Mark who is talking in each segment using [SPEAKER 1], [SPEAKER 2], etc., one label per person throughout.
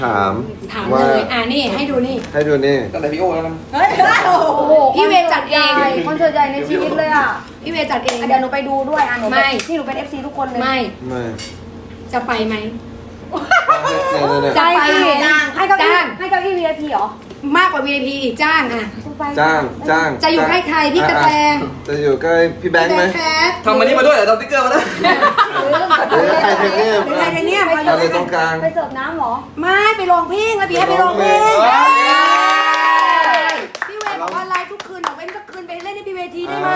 [SPEAKER 1] ถาม
[SPEAKER 2] ถาม
[SPEAKER 1] ว่า
[SPEAKER 2] เลยนี่ให้ดูนี่
[SPEAKER 1] ให้ดูนี่
[SPEAKER 3] ตั้งแต่พี่โอ้แล้วนะ
[SPEAKER 4] เฮ้ยโอ้โห
[SPEAKER 2] พี่เวย์จัดเอง
[SPEAKER 4] คอนเสิร์ตใหญ่ในชีวิตเลยอ่ะ
[SPEAKER 2] พี่เวย์จัดเอง
[SPEAKER 4] เดี๋ยวหนูไปดูด้วยหนู
[SPEAKER 2] ไม่
[SPEAKER 4] นี่หนูเป็น FC ทุกคนเลย
[SPEAKER 2] ไม่
[SPEAKER 1] ไม่
[SPEAKER 2] จะไปไหม
[SPEAKER 1] เนี่ย
[SPEAKER 2] จะไป
[SPEAKER 4] ให้เก้าอี้
[SPEAKER 2] จ้าง
[SPEAKER 4] ให้เก้าอี้ VIP เหรอ
[SPEAKER 2] มากกว่า VIP อีกจ้างอ่ะ
[SPEAKER 1] จ้าง
[SPEAKER 2] จะอยู่ใกล้ใครพี่กระแต
[SPEAKER 1] จะอยู่ใกล้พี่แบงค์ไหม
[SPEAKER 2] แคท
[SPEAKER 3] ทำมันนี้มาด้วยเหรอทำติ๊กเกอร์มาแล้ว
[SPEAKER 1] หรือใครเทคเนี่ย
[SPEAKER 2] หรือใครกันเนี่ยมาอ
[SPEAKER 1] อะ
[SPEAKER 2] ยู่
[SPEAKER 1] ไรตรงกลาง
[SPEAKER 4] ไปเสิร์ฟน้ำเหรอ
[SPEAKER 2] ไม่ไปร้องเพลงแล้วพี่ให้ไปร้องเพลง
[SPEAKER 1] เฮ้ย
[SPEAKER 2] พี่เวย์บอกว่าไลฟ์ทุกคืนบอกเว้นสักคืนไปเล่นในพี่เวทีได้ไหม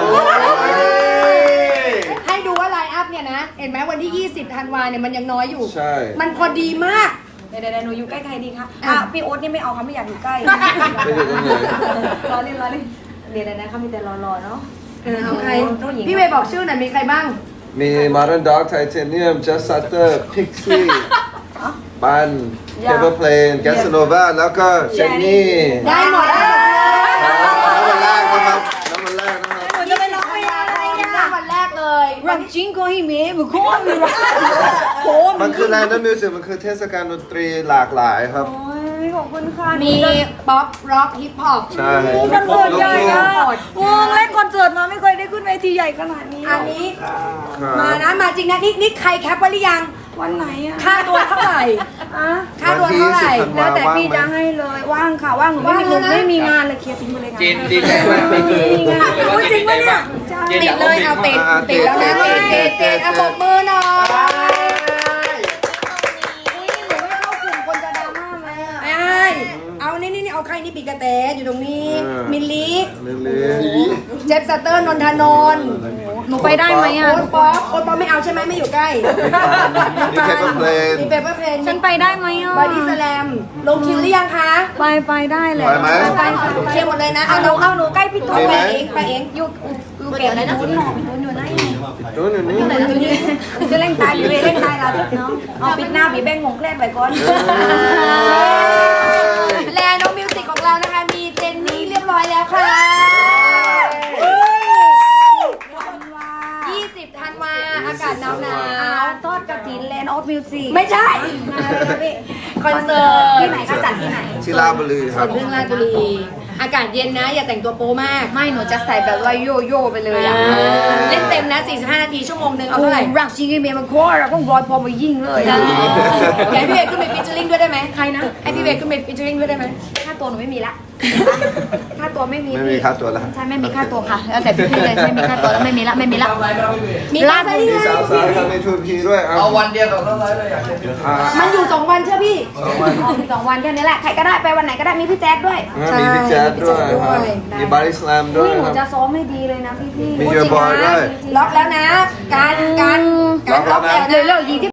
[SPEAKER 2] ให้ดูว่าไลน์อัพเนี่ยนะเห็นไหมวันที่ 20 ธันวาเนี่ยมันยังน้อยอยู่
[SPEAKER 1] ใช่
[SPEAKER 2] มันพอดีมาก
[SPEAKER 4] เดี๋ยวหนูอยู่ใกล้ใครดีคะ
[SPEAKER 2] อ่ะ
[SPEAKER 4] พี่โอ๊ตนี่ไม่เอาค่ะไม่อยากอยู่ใกล้
[SPEAKER 1] ไม่อยู่ตรงไหน
[SPEAKER 4] รอเล่นเดี๋ยวนะเขามีแต่รอเนาะ
[SPEAKER 2] เอาใคร
[SPEAKER 4] ต้องหญิง
[SPEAKER 2] พี่เวย์บอกชื่อหน่อยมีใครบ้าง
[SPEAKER 1] มี Modern Dog Titanium Just Sutter Pixie ปัน Paper Plane Gasanova แล้วก็เจนนี่
[SPEAKER 2] ได้หมดแล้ว
[SPEAKER 1] น้ำมันแรกนะครับน้ำมันแรกนะครับ
[SPEAKER 4] หนูจะไปร้องเพลงอะไร
[SPEAKER 2] ได้วันแรกเลย
[SPEAKER 4] รักจริงก็ให้เมย์บุคคลมีรักโอ้
[SPEAKER 1] มันคือ Random Music มันคือเทศกาลดนตรีหลากหลายครับ
[SPEAKER 4] ยขอบคุณค่ะ
[SPEAKER 2] มีป๊อปร็อกฮิปฮอป
[SPEAKER 1] ใช่
[SPEAKER 4] คอนเสิร์ตใหญ่อะ
[SPEAKER 2] ลูกทุ่ง
[SPEAKER 4] วงเล่นคอนเสิร์ตมาไม่เคยได้ขึ้นเวทีใหญ่ขนาดนี้
[SPEAKER 2] อันนี้
[SPEAKER 1] ครับ
[SPEAKER 2] มานะมาจริงนะนี่ใครแคปไว้หรือยัง
[SPEAKER 4] วันไหนอะ
[SPEAKER 2] ค่าตัวเท่าไหร่
[SPEAKER 4] อะ
[SPEAKER 2] ค่าตัวเท่าไหร่
[SPEAKER 4] แล้วแต่พี่จะให้เลยว่างค่ะว่างหนูไม่มี
[SPEAKER 2] ว่างแล้วนะ
[SPEAKER 4] ไม่มีงานเลยเคลียร์ทิ้งไปเลยงาน
[SPEAKER 3] เจนดีใจมากนี่คือ
[SPEAKER 2] โอ้ยจริงปะเนี่ย
[SPEAKER 3] เจน
[SPEAKER 2] ติ
[SPEAKER 3] อ
[SPEAKER 2] ด
[SPEAKER 3] ยาก
[SPEAKER 2] เลยเอาติดติดแล้วนะติดเอาปรบมือหน่อย
[SPEAKER 4] อุ้ยหนูไม่เข้ากลุ่มคนจะดราม่าไหมอะ
[SPEAKER 2] ไอ้เอานี่เอาใครนี่ปีกระแตอยู่ตรงนี้ มิลลิ
[SPEAKER 1] ลิลี่
[SPEAKER 2] เจฟสเตอร์นนทนนท์
[SPEAKER 4] หนูไปได้ไหมอะ
[SPEAKER 2] โอ๊ตป๊อปไม่เอาใช่ไหมไม่อยู่ใกล้
[SPEAKER 1] มี Paper Plane
[SPEAKER 2] มีเปเปอร์เพลน
[SPEAKER 4] ฉันไปได้ไหมอะ
[SPEAKER 2] บอดี้สแลมลงคิวหรือยังคะ
[SPEAKER 4] ไปได้เลย
[SPEAKER 1] ไปไหม
[SPEAKER 4] ไป
[SPEAKER 2] เคลียร์หมดเลยนะ
[SPEAKER 4] เอาหนูใกล้พี่ตุ๊ก
[SPEAKER 1] มีไหม
[SPEAKER 2] ไปเอง
[SPEAKER 4] อยู่เก็บอะไรนะหนูอยู่ไหน
[SPEAKER 1] ตัวหนึ่งนี่
[SPEAKER 4] จะเล่นตายอยู่เลยเล่นตายเราทุกน้องเอาปิดหน้าผีแบงงงแกล้งไปก่อน
[SPEAKER 2] แลน้องมิวสิกของเรานะคะ มีเจนนี่เรียบร้อยแล้วค่ะ 20 ธันวาอากาศหนาว
[SPEAKER 4] ทอดกระถินแลนด์ออฟมิวสิก
[SPEAKER 2] ๆไม่ใช่ คอนเสิร์ต
[SPEAKER 4] ที่ไหนก็จัดที่ไหน
[SPEAKER 1] ที่ราชบุรีค
[SPEAKER 2] ส
[SPEAKER 1] รับ
[SPEAKER 2] วนพึ่งราชบุรี อากาศเย็นนะ อย่าแต่งตัวโป๊มาก
[SPEAKER 4] ไม่หนูจะใส่แบบว่าโยโย่ไปเลยอ่ะ
[SPEAKER 2] เล่นเต็มนะ 45 นาทีชั่วโมงหนึ่งเอาเท่าไหร่
[SPEAKER 4] รักจริงไอ้เมย์มันโคตรเราต้องรอยพอมายิงเลย
[SPEAKER 2] อยากให้พี่เวย์ขึ้นไปฟีเจอริ่งด้วยได้ไหม
[SPEAKER 4] ใครนะ
[SPEAKER 2] ให้พี่เวย์ขึ้นไปฟีเจอริ่งด้วยได้ไหม
[SPEAKER 4] ค่าตัวหนูไม่มีละค่าตัวไม่มี
[SPEAKER 1] ไม่มีค่าตัวแล้ว
[SPEAKER 4] ใช่ไม่มีค่าตัวค่ะแล้วแต่พี่เลยไม่มีค่าตัวแล้วไม่มีละ
[SPEAKER 2] มีลาด
[SPEAKER 1] มีสาวสาวทำในทูพีด้วย
[SPEAKER 3] เอาวันเดียวกับต้องไลฟ์เลยอยากเห็น
[SPEAKER 2] มันอยู่2 วันเชื่อพี่
[SPEAKER 4] 2 วันแค่นี้แหละใครก็ได้ไปวันไหนก็ได้มีพี่แจ๊ดด้วย
[SPEAKER 1] มีพี่แจ๊ดด้วยครับมีบาริสแลมด้ว
[SPEAKER 4] นี่
[SPEAKER 1] ย
[SPEAKER 4] หนู
[SPEAKER 1] ครับ
[SPEAKER 4] จะซ้อมให้ดีเลยนะพี่
[SPEAKER 1] มีเยอะบอยด้วย
[SPEAKER 2] ล็อกแล้วนะ การล็อกแล้ว
[SPEAKER 4] เร็วๆยิงที่